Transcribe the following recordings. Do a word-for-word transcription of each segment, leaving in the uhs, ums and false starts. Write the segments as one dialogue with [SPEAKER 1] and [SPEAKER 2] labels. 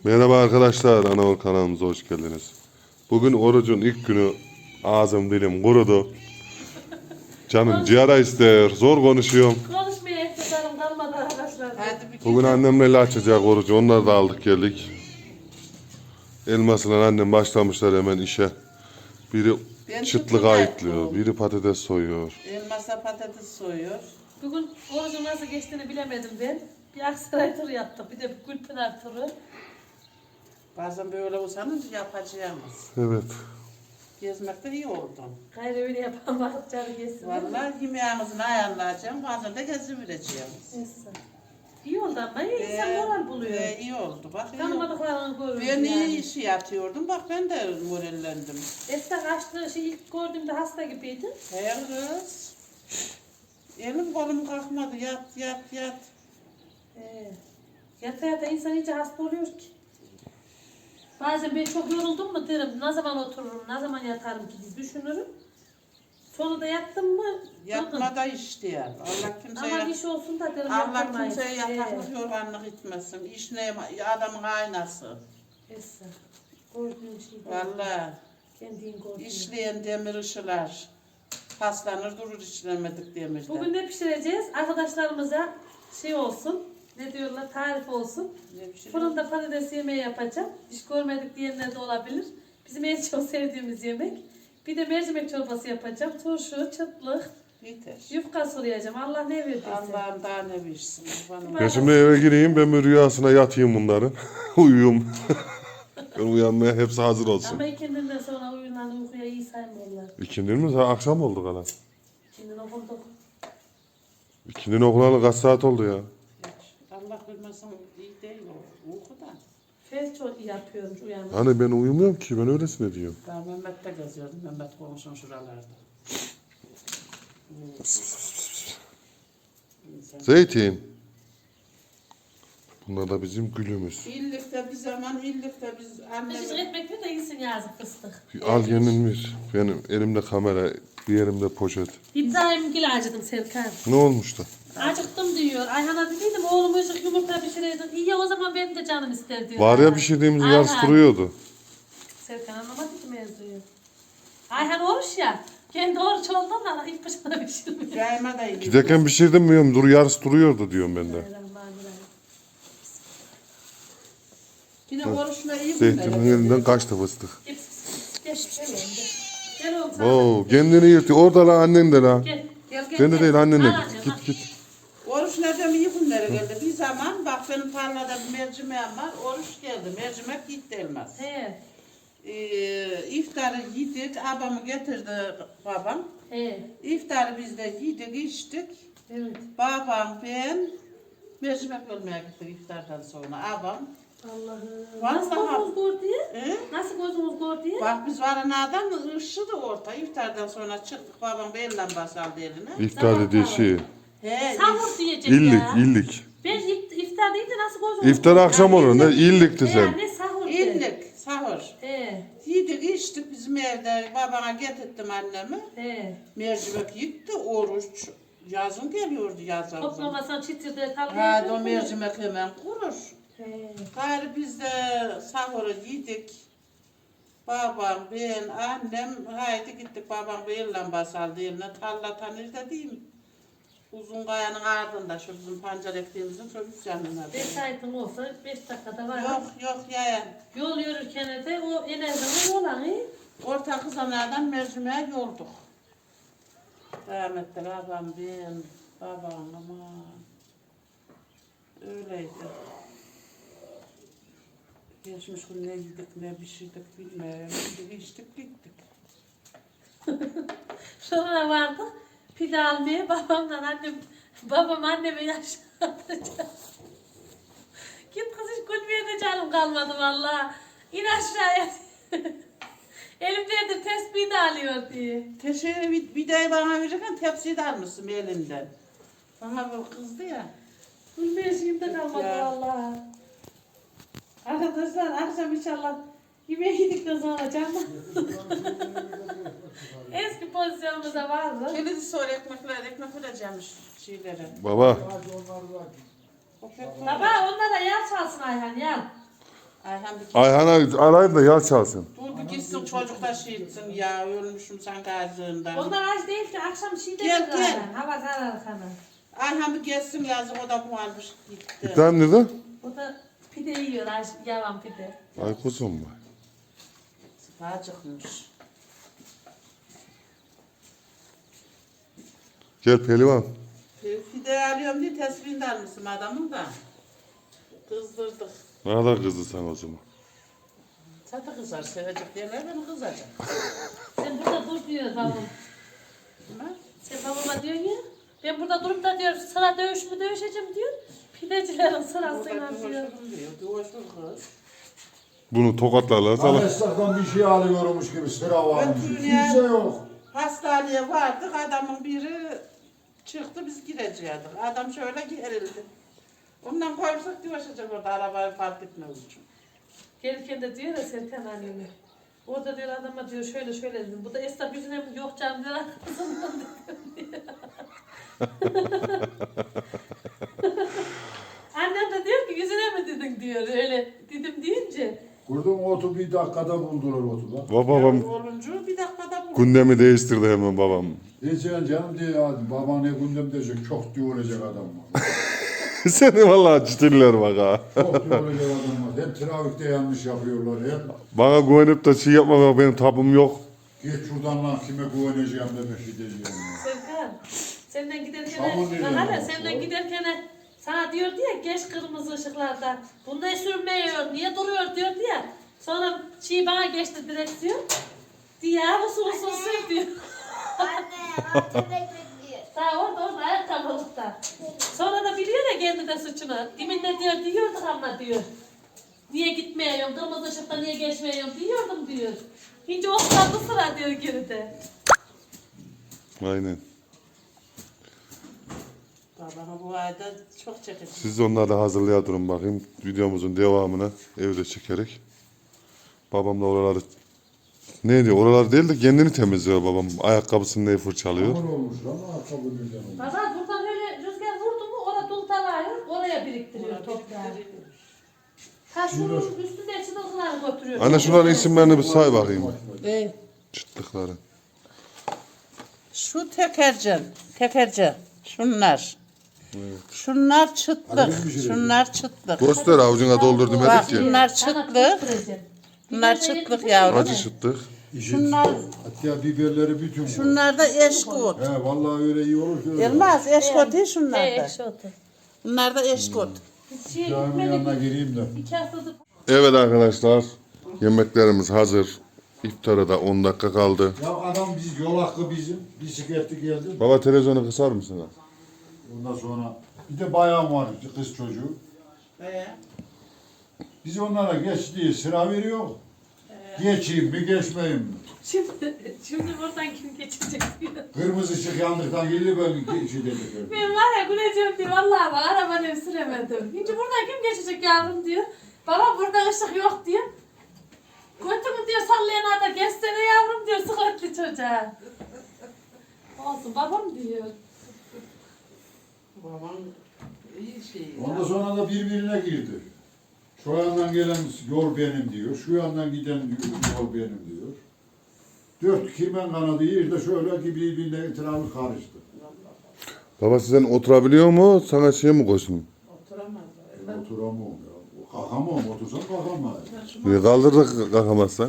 [SPEAKER 1] Merhaba arkadaşlar, Anaol kanalımıza hoş geldiniz. Bugün orucun ilk günü, ağzım dilim kurudu. Canım ciğer ister, zor konuşuyorum.
[SPEAKER 2] Konuşmaya iktidarım kalmadı arkadaşlar.
[SPEAKER 3] Hadi bir
[SPEAKER 1] Bugün annemle açacak orucu, onları da aldık geldik. Elmas'la annem başlamışlar hemen işe. Biri
[SPEAKER 3] Ben
[SPEAKER 1] çıtlık
[SPEAKER 3] çıtlık
[SPEAKER 1] ayıtlıyor,
[SPEAKER 3] ayıtlıyorum.
[SPEAKER 1] biri patates soyuyor.
[SPEAKER 3] Elmasa patates soyuyor.
[SPEAKER 2] Bugün orucun nasıl geçtiğini bilemedim ben. Bir Aksaray turu yaptık, bir de bir Gülpınar turu.
[SPEAKER 3] Bazen böyle olsanız yapacağımız.
[SPEAKER 1] Evet.
[SPEAKER 3] Gezmekte iyi oldu.
[SPEAKER 2] Gayrı öyle yapamadık, canı geçsin.
[SPEAKER 3] Vallahi yemeğimizin ayarlayacağım. Bazen de gezivereceğim.
[SPEAKER 2] Neyse. İyi oldu ama iyi, insan moral buluyor.
[SPEAKER 3] E, iyi oldu. Bak iyi oldu.
[SPEAKER 2] Tanımadıklarını görüyoruz
[SPEAKER 3] Ben
[SPEAKER 2] yani.
[SPEAKER 3] iyi işi yatıyordum. Bak ben de morallendim.
[SPEAKER 2] Esra açtığı şey ilk gördüğümde hasta gibiydi.
[SPEAKER 3] He kız. Elim kolum kalkmadı. Yat yat yat.
[SPEAKER 2] Ee, yata yata insan iyice hasta oluyor ki. Bazen ben çok yoruldum mu derim, ne zaman otururum, ne zaman yatarım ki diye düşünürüm. Sonra da yattım mı?
[SPEAKER 3] Yatma da iş diyor. Allah kimseye,
[SPEAKER 2] Ama iş olsun da derim
[SPEAKER 3] Allah
[SPEAKER 2] yapamayız.
[SPEAKER 3] kimseye
[SPEAKER 2] Ee,
[SPEAKER 3] yataklık yorganlık etmesin. İş ne adamın aynası.
[SPEAKER 2] Esra, gördüğün şey değil.
[SPEAKER 3] Vallahi.
[SPEAKER 2] Kendin gördüğün.
[SPEAKER 3] İşleyen demir ışılar. Paslanır durur işlemedik demirden.
[SPEAKER 2] Bugün ne pişireceğiz? Arkadaşlarımıza şey olsun, ne diyorlar, tarif olsun.
[SPEAKER 3] Ne bir şey
[SPEAKER 2] Fırında patates yemeği yapacağım. Hiç görmedik diyenler de olabilir. Bizim en çok sevdiğimiz yemek. Bir de mercimek çorbası yapacağım. Turşu, çıtlık,
[SPEAKER 3] yeter.
[SPEAKER 2] yufka soyacağım. Allah ne verdiyse.
[SPEAKER 3] Allah'ım daha ne bilsin. Bana
[SPEAKER 1] Ben şimdi eve gireyim, ben bir rüyasına yatayım bunların. Uyuyum. Ben uyanmaya hepsi hazır olsun.
[SPEAKER 2] Ama ikindinden sonra uyunan uykuya iyi saymıyorlar.
[SPEAKER 1] İkindin mi? Ha, akşam oldu gala.
[SPEAKER 2] İkindin okunduk.
[SPEAKER 1] İkindin okulalı kaç saat oldu ya?
[SPEAKER 3] Allah bilmesin iyi değil o. Uykuda.
[SPEAKER 2] Fes çok iyi yapıyormuş uyanmak.
[SPEAKER 1] Hani ben uyumuyorum ki, ben öylesine diyorum.
[SPEAKER 3] Ben Mehmet'te geziyordum. Mehmet komşum şuralarda.
[SPEAKER 1] Zeytin. Bunlar da bizim gülümüz.
[SPEAKER 3] İllikte bir zaman, illikte biz
[SPEAKER 2] Küçücük
[SPEAKER 3] annemiz...
[SPEAKER 2] ekmek ver de iyisin yazık fıstık.
[SPEAKER 1] Al yenilmiş. Benim elimde kamera, bir elimde poşet.
[SPEAKER 2] İbrahim Gül acıdım Serkan.
[SPEAKER 1] Ne olmuş da?
[SPEAKER 2] Acıktım diyor. Ayhan'a dediydim oğlum ışık yumurta pişireydin. İyi ya o zaman benim de canım ister diyor.
[SPEAKER 1] Var ya
[SPEAKER 2] Ayhan.
[SPEAKER 1] pişirdiğimiz
[SPEAKER 2] Ayhan.
[SPEAKER 1] yarısı duruyordu.
[SPEAKER 2] Serkan anlamadı ki mevzuyu. Ayhan oruç ya. Kendi oruç olduğundan ilk başına pişirmiyor.
[SPEAKER 3] Yayma da iyi.
[SPEAKER 1] Giderken pişirdim mi? Dur yarısı duruyordu diyorum ben de.
[SPEAKER 2] Bismillahirrahmanirrahim.
[SPEAKER 3] Bir de oruçla iyi
[SPEAKER 1] Zeytinin
[SPEAKER 3] günler.
[SPEAKER 1] elinden kaçtı fıstık.
[SPEAKER 2] Gel, gel, gel oğlum, gel. Gel oğlum sana.
[SPEAKER 1] Oo, kendini yırtıyor. Orada la annen de la.
[SPEAKER 2] Gel, gel, gel.
[SPEAKER 1] Ben de
[SPEAKER 2] gel.
[SPEAKER 1] değil annene.
[SPEAKER 2] Al annem, al.
[SPEAKER 1] Git git.
[SPEAKER 3] Oruç nereden iyi günlere geldi. Bir zaman bak benim tarlada bir mercimeğim var. Oruç geldi. Mercimek gitti elmas.
[SPEAKER 2] He,
[SPEAKER 3] Ee, iftarı yedik. Abamı getirdi babam.
[SPEAKER 2] he.
[SPEAKER 3] İftarı biz de yedik içtik.
[SPEAKER 2] Evet.
[SPEAKER 3] Babam ben mercimek bölmeye gittik iftardan sonra. Abam.
[SPEAKER 2] Allah'ım.
[SPEAKER 3] Vallahi-
[SPEAKER 2] Nasıl gözümüz gördü ya?
[SPEAKER 3] E?
[SPEAKER 2] Nasıl gözümüz gördü ya?
[SPEAKER 3] Bak biz varanadan ışıdı orta. İftardan sonra çıktık. Babam bir el lambası aldı eline.
[SPEAKER 1] İftar dediği şey.
[SPEAKER 3] He,
[SPEAKER 2] Sahur diyecek
[SPEAKER 1] İllik,
[SPEAKER 2] ya.
[SPEAKER 1] illik.
[SPEAKER 2] Ben ift- iftar deyince nasıl gözümüz
[SPEAKER 1] İftar akşam olur. Ne illikti
[SPEAKER 2] He,
[SPEAKER 1] sen.
[SPEAKER 2] ne sahur de.
[SPEAKER 3] illik, sahur.
[SPEAKER 2] He,
[SPEAKER 3] Yedik içtik bizim evde. Babana getirttim annemi.
[SPEAKER 2] he.
[SPEAKER 3] Mercimek gitti. Oruç. Yazın geliyordu yazın.
[SPEAKER 2] Toplamasan çitirde tabii.
[SPEAKER 3] Ha o mercimek hemen kurur.
[SPEAKER 2] He.
[SPEAKER 3] Gayrı biz de sahuru yedik. Babam, ben, annem, haydi gittik. Babam bir el lambası aldı eline. Tarla tanır da diyeyim. Uzun kayanın ardında şu bizim pancar ektiğimizin şu üst yanına.
[SPEAKER 2] Beş saatin olsa beş dakikada var.
[SPEAKER 3] Yok yok yayan.
[SPEAKER 2] Yol yürürken de o en azından yol hani.
[SPEAKER 3] Orta kızanlardan mercimeğe yolduk. Rahmetli babam, ben, babam aman. Öyleydi. Geçmiş gün ne yedik ne pişirdik bilmiyorum. Yedik içtik gittik.
[SPEAKER 2] Sonra vardı. Pide almaya babamla annem, babam anneme yaşatacak. Git kız hiç gülmeye de canım kalmadı valla. İn aşağıya. Elimdedir tesbih de alıyor diye.
[SPEAKER 3] Teşekkür bir, bir de bana verirken tepsiyi de almışsın elinden. Bana bu kızdı ya.
[SPEAKER 2] Gülmeye şeyim de kalmadı
[SPEAKER 3] Ya.
[SPEAKER 2] valla. Arkadaşlar akşam inşallah yemeği yedikten sonra canım. Eski pozisyonumuzda vardı.
[SPEAKER 3] Kilidi sonra ekmekler, ekmek vereceğim şeylere.
[SPEAKER 1] Baba.
[SPEAKER 3] O pek
[SPEAKER 2] Baba onlara yağ çalsın Ayhan yağ.
[SPEAKER 3] Ayhan bir,
[SPEAKER 1] Ayhan'a arayın da yal çalsın.
[SPEAKER 3] dur bir gitsin çocuk da şey etsin ya. Ölmüşüm sanki acığından.
[SPEAKER 2] Onlar aç değil ki akşam şey de
[SPEAKER 3] Gel, gel.
[SPEAKER 2] Hava zarar kana.
[SPEAKER 3] Ayhan bir gelsin yazık o da bu almış
[SPEAKER 1] Bir
[SPEAKER 3] gitti.
[SPEAKER 1] tane nerede?
[SPEAKER 2] O da pide yiyor, aç, yavan pide.
[SPEAKER 1] Ay kuzum var.
[SPEAKER 3] Acıkmış.
[SPEAKER 1] Gel pehlivan.
[SPEAKER 3] Fide alıyorum diye tespihini almışım adamın da. Kızdırdık.
[SPEAKER 1] Ne kadar kızdı sen o zaman.
[SPEAKER 3] Çatı kızar sevecek derler beni kızacak.
[SPEAKER 2] Sen burada dur diyor babam.
[SPEAKER 3] Ha?
[SPEAKER 2] Sen babama diyorsun ya. Ben burada durup da diyor sıra dövüş mü dövüşeceğim diyor. Pidecilerin sırasıyla
[SPEAKER 3] Orada
[SPEAKER 2] diyor.
[SPEAKER 3] diyor. diyor. Diyoşur kız.
[SPEAKER 1] Bunu tokatlarlar sana.
[SPEAKER 4] Esnaftan bir şey alıyormuş gibi sıra varmış.
[SPEAKER 3] Ötürü ya.
[SPEAKER 4] Kimse yok.
[SPEAKER 3] Hastaneye vardık adamın biri çıktı biz gireceğiz. Adam şöyle gerildi. Ondan koyursak diyoşacak orada arabayı fark etmez için.
[SPEAKER 2] Gelirken de diyor ya Serkan anneme. Orada diyor adama diyor şöyle şöyle dedim. Bu da esnaf yüzüne mi yok canım diyor arkasından dedim diyor. Annem de diyor ki yüzüne mi dedin diyor öyle dedim deyince.
[SPEAKER 4] Kurdum otu bir dakikada buldular otu da.
[SPEAKER 1] Babam
[SPEAKER 3] Yavru olunca bir dakikada bu.
[SPEAKER 1] gündemi değiştirdi hemen babam.
[SPEAKER 4] Diyeceksin canım diye ya baba ne gündem diyecek çok diye olacak adam var.
[SPEAKER 1] Seni vallahi ciddiler bak ha.
[SPEAKER 4] Çok diye olacak adam var. Hep trafikte yanlış yapıyorlar hep.
[SPEAKER 1] Bana güvenip de şey yapma bak benim tabım yok.
[SPEAKER 4] Geç şuradan lan kime güveneceğim demek gideceğim ya.
[SPEAKER 2] Serkan senden giderken
[SPEAKER 4] Çamur veriyor
[SPEAKER 2] lan
[SPEAKER 4] bak.
[SPEAKER 2] senden giderken sana diyordu ya geç kırmızı ışıklarda. Bunda sürmüyor niye duruyor diyordu ya. Sonra şey bana geçti direksiyon. Diye usul usul sür diyor.
[SPEAKER 5] Anne, altı bekliyor.
[SPEAKER 2] Daha orada orada ayakkabılıkta. Sonra da biliyor ya kendi de suçunu. Diminde diyor diyorduk ama diyor. Niye gitmiyorum, kırmızı ışıkta niye geçmiyorum diyordum diyor. Hince osladı sıra diyor geride.
[SPEAKER 1] Aynen.
[SPEAKER 3] Babamı bu ayda çok çekecek.
[SPEAKER 1] Siz de onları da hazırlaya durun bakayım. Videomuzun devamını evde çekerek. Babam da oraları ne diyor? Oralar değil de kendini temizliyor babam. Ayakkabısını neyi fırçalıyor.
[SPEAKER 4] Çamur olmuş lan ayakkabı birden olmuş.
[SPEAKER 2] Baba buradan öyle rüzgar vurdu mu orada dultalıyor, oraya biriktiriyor toprağı. Ha şunun üstünde çıtıltıları götürüyor.
[SPEAKER 1] Anne şunların isimlerini bir say bakayım.
[SPEAKER 3] E,
[SPEAKER 1] Çıtlıkları.
[SPEAKER 3] şu tekercan, tekercan. Şunlar. Şunlar çıtlık. Şunlar çıtlık.
[SPEAKER 1] Göster avucuna doldur
[SPEAKER 3] Bak
[SPEAKER 1] demedik ki.
[SPEAKER 3] bunlar çıtlık. Bunlar çıtlık yavrum.
[SPEAKER 1] Acı çıtlık.
[SPEAKER 3] Şunlar,
[SPEAKER 4] Hatta biberleri bütün.
[SPEAKER 3] şunlar da eşkut.
[SPEAKER 4] He vallahi öyle iyi olur ki öyle.
[SPEAKER 3] Yılmaz eşkut değil şunlar
[SPEAKER 2] Ee,
[SPEAKER 3] da.
[SPEAKER 2] ekşi otu.
[SPEAKER 3] Bunlar da eşkut.
[SPEAKER 2] Şey,
[SPEAKER 4] Caminin yanına gireyim de.
[SPEAKER 2] İki haftadır
[SPEAKER 1] Evet arkadaşlar. Yemeklerimiz hazır. İftara da on dakika kaldı.
[SPEAKER 4] Ya adam biz yol hakkı bizim. Bisikletli geldi.
[SPEAKER 1] Baba televizyonu kısar mısın?
[SPEAKER 4] Ondan sonra bir de bayan var kız çocuğu.
[SPEAKER 3] Ee,
[SPEAKER 4] Biz onlara geç diye sıra veriyor. Geçeyim mi geçmeyeyim mi?
[SPEAKER 2] Şimdi, şimdi buradan kim geçecek diyor.
[SPEAKER 4] Kırmızı ışık yandıktan geldi ben geçi dedik.
[SPEAKER 2] Ben var ya güleceğim diyor. Vallahi bak arabanı süremedim. Şimdi buradan kim geçecek yavrum diyor. Baba burada ışık yok diyor. Götümü diyor sallayan da geçsene yavrum diyor sıkıntı çocuğa. Olsun babam diyor.
[SPEAKER 3] babam iyi şey.
[SPEAKER 4] Ondan sonra da birbirine girdi. Şu yandan gelen yol benim diyor. Şu yandan giden yol benim diyor. Dört kirmen kanadı yerde şöyle gibi birbirine etrafı karıştı.
[SPEAKER 1] Baba sizden oturabiliyor mu? Sana şey mi koysun?
[SPEAKER 3] Oturamaz.
[SPEAKER 4] Oturamam ya. Kalkamam. Otursam kalkamam.
[SPEAKER 1] Niye kaldırdık kalkamazsan?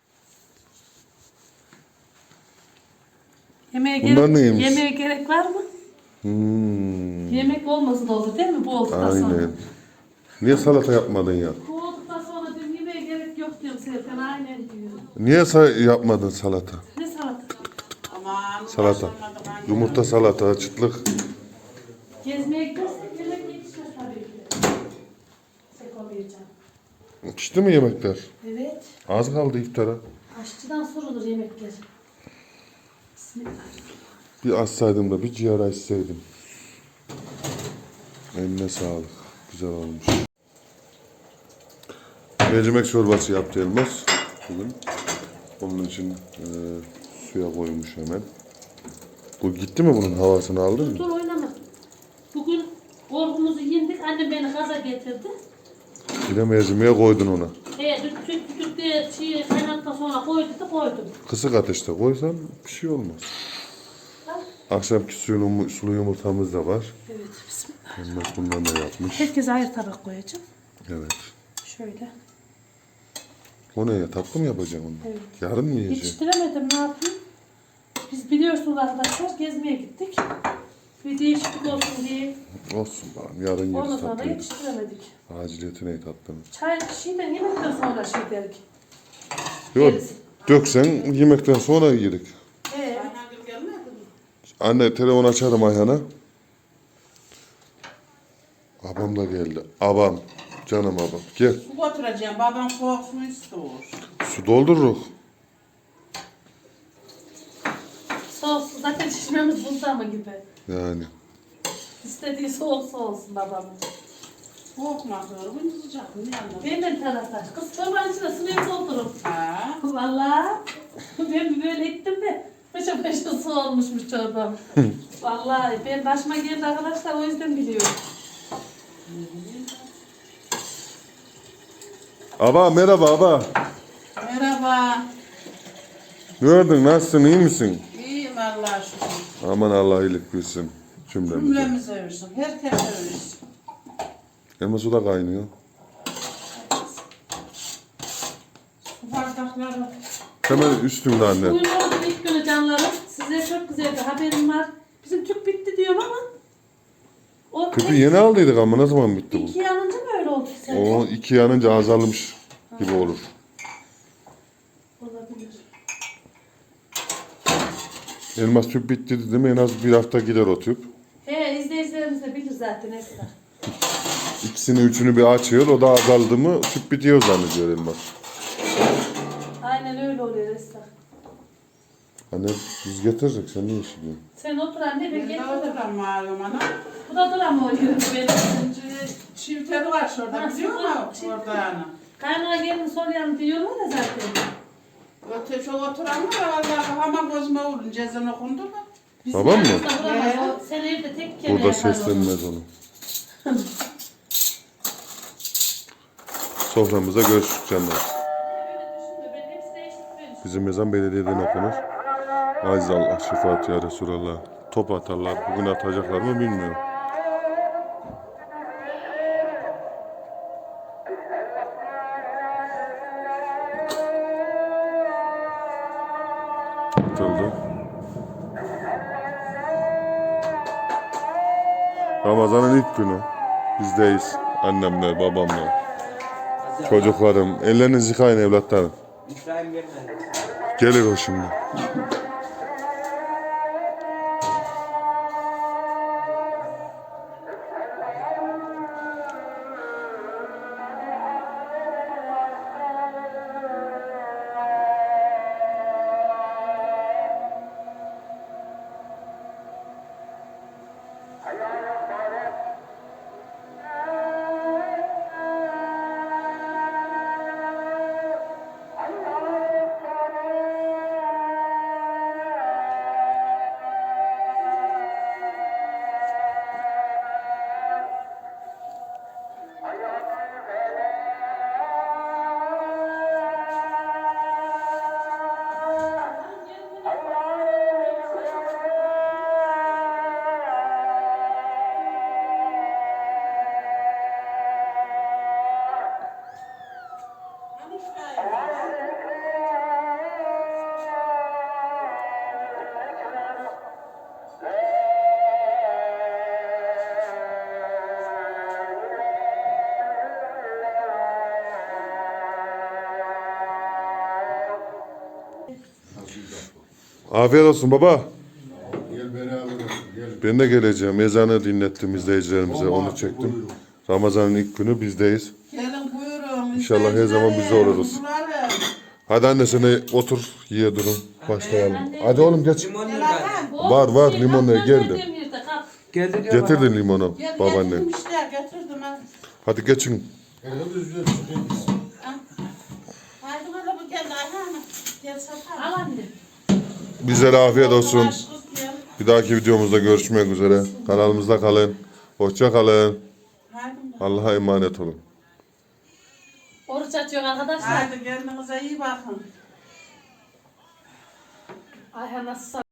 [SPEAKER 2] Yemeğe
[SPEAKER 1] Bunlar
[SPEAKER 2] gerek,
[SPEAKER 1] neymiş?
[SPEAKER 2] yemeğe gerek var mı?
[SPEAKER 1] Hmm,
[SPEAKER 2] Yemek olması da olur değil mi bu olduktan sonra?
[SPEAKER 1] aynen. Niye salata yapmadın ya?
[SPEAKER 2] Bu olduktan sonra diyorum yemeğe gerek yok diyorum Serkan aynen diyor.
[SPEAKER 1] Niye sa- yapmadın salata?
[SPEAKER 2] Ne salata?
[SPEAKER 3] Aman.
[SPEAKER 1] Salata.
[SPEAKER 3] başlamadık anne.
[SPEAKER 1] Yumurta salata, çıtlık.
[SPEAKER 2] Gezmeye gidersek yemek yetişmez tabii ki. Sekolayacağım.
[SPEAKER 1] Pişti mi yemekler?
[SPEAKER 2] Evet.
[SPEAKER 1] Az kaldı iftara.
[SPEAKER 2] Aşçıdan sorulur yemekler. Bismillah.
[SPEAKER 1] Bir açsaydım da bir ciğer açsaydım. Eline sağlık. Güzel olmuş. Mercimek çorbası yaptı Elmas bugün. Onun için e, suya koymuş hemen. Bu gitti mi bunun havasını aldın mı?
[SPEAKER 2] Dur oynama. Bugün korkumuzu yendik. Annem beni gaza getirdi.
[SPEAKER 1] Bir de mercimeğe koydun ona.
[SPEAKER 2] ona koy dedi koydum.
[SPEAKER 1] Kısık ateşte koysan bir şey olmaz. Akşamki suyun, sulu yumurtamız da var.
[SPEAKER 2] Evet bismillah.
[SPEAKER 1] Elmas bundan da yapmış.
[SPEAKER 2] Herkese ayrı tabak koyacağım.
[SPEAKER 1] Evet.
[SPEAKER 2] Şöyle.
[SPEAKER 1] O ne ya? Tatlı mı yapacaksın onu?
[SPEAKER 2] Evet.
[SPEAKER 1] Yarın mı yiyeceksin?
[SPEAKER 2] Yetiştiremedim ne yapayım? Biz biliyorsunuz arkadaşlar gezmeye gittik. Bir değişiklik olsun diye.
[SPEAKER 1] Olsun bakalım. Yarın
[SPEAKER 2] Ondan
[SPEAKER 1] yeriz
[SPEAKER 2] sonra
[SPEAKER 1] tatlıyı.
[SPEAKER 2] yetiştiremedik.
[SPEAKER 1] Aciliyeti ne tatlının?
[SPEAKER 2] Çay şeyden yemekten sonra şey dedik.
[SPEAKER 1] Yok.
[SPEAKER 2] Yeriz.
[SPEAKER 1] Döksen yemekten sonra yedik.
[SPEAKER 2] Ee,
[SPEAKER 3] Ayhan'gil gelmedi mi?
[SPEAKER 1] Anne telefon açarım Ayhan'a. Abam da geldi. Abam. Canım abam. Gel.
[SPEAKER 3] Su götüreceğim. Babam soğuk su istiyor.
[SPEAKER 1] Su doldururuz.
[SPEAKER 2] soğuk su zaten çeşmemiz buzda mı gibi.
[SPEAKER 1] Yani.
[SPEAKER 2] İstediği soğuk su olsun babamın.
[SPEAKER 3] Soğuk mu atıyor? Bu sıcak mı? Ne anladın?
[SPEAKER 2] Benden taraftar. Kız çorbanın içine suyu doldurup.
[SPEAKER 3] Ha?
[SPEAKER 2] Valla. Ben böyle ettim de. Paşa paşa su olmuşmuş çorbam. Vallahi ben başıma geldi arkadaşlar o yüzden biliyorum.
[SPEAKER 1] Aba merhaba aba.
[SPEAKER 3] Merhaba.
[SPEAKER 1] Ne gördün? Nasılsın? İyi misin?
[SPEAKER 3] İyiyim Allah'a şükür.
[SPEAKER 1] Aman Allah iyilik versin. Cümlemize.
[SPEAKER 3] Cümlemizi versin. Herkes versin.
[SPEAKER 1] Elma su da kaynıyor.
[SPEAKER 3] Su bardakları.
[SPEAKER 1] Hemen üstümde anne.
[SPEAKER 2] Bugün oldu ilk günü canlarım. Size çok güzel bir haberim var. Bizim tüp bitti diyorum ama. O
[SPEAKER 1] Tüpü yeni aldıydık ama ne zaman bitti bu?
[SPEAKER 2] İki yanınca mı öyle oldu sence?
[SPEAKER 1] O iki yanınca azalmış gibi olur.
[SPEAKER 2] Olabilir.
[SPEAKER 1] Elmas tüp bitti dedi mi en az bir hafta gider o tüp.
[SPEAKER 2] He izleyicilerimiz de bilir zaten Esra.
[SPEAKER 1] İkisini üçünü bir açıyor o da azaldı mı tüp bitiyor zannediyor Elmas.
[SPEAKER 2] Aynen öyle oluyor Esra.
[SPEAKER 1] Anne biz getirecek sen ne işi diyorsun?
[SPEAKER 2] Sen otur anne ben
[SPEAKER 3] Ben de
[SPEAKER 2] getiririm.
[SPEAKER 3] oturam malum ana.
[SPEAKER 2] Bu da duram oluyor benim.
[SPEAKER 3] Çiftleri var şurada
[SPEAKER 2] Ha,
[SPEAKER 3] biliyor
[SPEAKER 2] şurada
[SPEAKER 3] musun?
[SPEAKER 2] çift-
[SPEAKER 3] Orada ana.
[SPEAKER 2] Kaynağa gelin soruyorum diyorlar ya zaten.
[SPEAKER 3] Öte şu oturan var vallahi kafama gözüme vurun. Cezan okundu mu?
[SPEAKER 2] Bizim
[SPEAKER 1] Babam mı?
[SPEAKER 2] yanımızda duramaz.
[SPEAKER 3] Ee?
[SPEAKER 2] O sen evde tek kere
[SPEAKER 1] Burada
[SPEAKER 2] yapar onu.
[SPEAKER 1] seslenmez onu. Soframıza görüştük canlar.
[SPEAKER 2] Böyle düşünme, ben hepsine eşit veriyorum.
[SPEAKER 1] Bizim ezan belediyeden okunur. Aziz Allah, şefaat ya Resulallah. Top atarlar. Bugün atacaklar mı bilmiyorum. Atıldı. Ramazan'ın ilk günü. Bizdeyiz. Annemle, babamla. Çocuklarım. Ellerinizi yıkayın evlatlarım.
[SPEAKER 6] İbrahim gelmedi.
[SPEAKER 1] Gelir o şimdi. Afiyet olsun baba.
[SPEAKER 4] Gel beraber olsun, gel.
[SPEAKER 1] Ben de geleceğim. Ezanı dinlettim izleyicilerimize.
[SPEAKER 4] Baba,
[SPEAKER 1] Onu çektim.
[SPEAKER 4] buyurun.
[SPEAKER 1] Ramazan'ın ilk günü bizdeyiz.
[SPEAKER 3] Gelin buyurun.
[SPEAKER 1] İnşallah her zaman bizde oluruz.
[SPEAKER 3] Kuzularım.
[SPEAKER 1] Hadi anne sen de otur. Yiye durun. Başlayalım. Hadi oğlum geç.
[SPEAKER 6] Limonlu
[SPEAKER 3] Gel
[SPEAKER 6] geldi.
[SPEAKER 3] Hakan.
[SPEAKER 1] Var, var,
[SPEAKER 2] Şey,
[SPEAKER 1] limonları
[SPEAKER 2] kapıdan
[SPEAKER 1] geldi.
[SPEAKER 2] verdiğim yerde kap.
[SPEAKER 6] Geldi diyor bana.
[SPEAKER 1] Getirdin limonu
[SPEAKER 3] Gel
[SPEAKER 1] babaanne.
[SPEAKER 3] getirdim işte getirdim ha.
[SPEAKER 1] Hadi geçin.
[SPEAKER 4] Elimiz yüzüne çıkayım.
[SPEAKER 3] Haydi bana bu geldi Ayhan. Gel satar.
[SPEAKER 2] Al anne.
[SPEAKER 1] Bizlere afiyet olsun.
[SPEAKER 3] Aşkım gel.
[SPEAKER 1] Bir dahaki videomuzda görüşmek üzere. Kanalımızda kalın. Hoşça kalın.
[SPEAKER 3] Haydi.
[SPEAKER 1] Allah'a emanet olun.
[SPEAKER 2] Oruç açıyor arkadaşlar.
[SPEAKER 3] Haydi kendinize iyi bakın.
[SPEAKER 2] Ayhan nasıl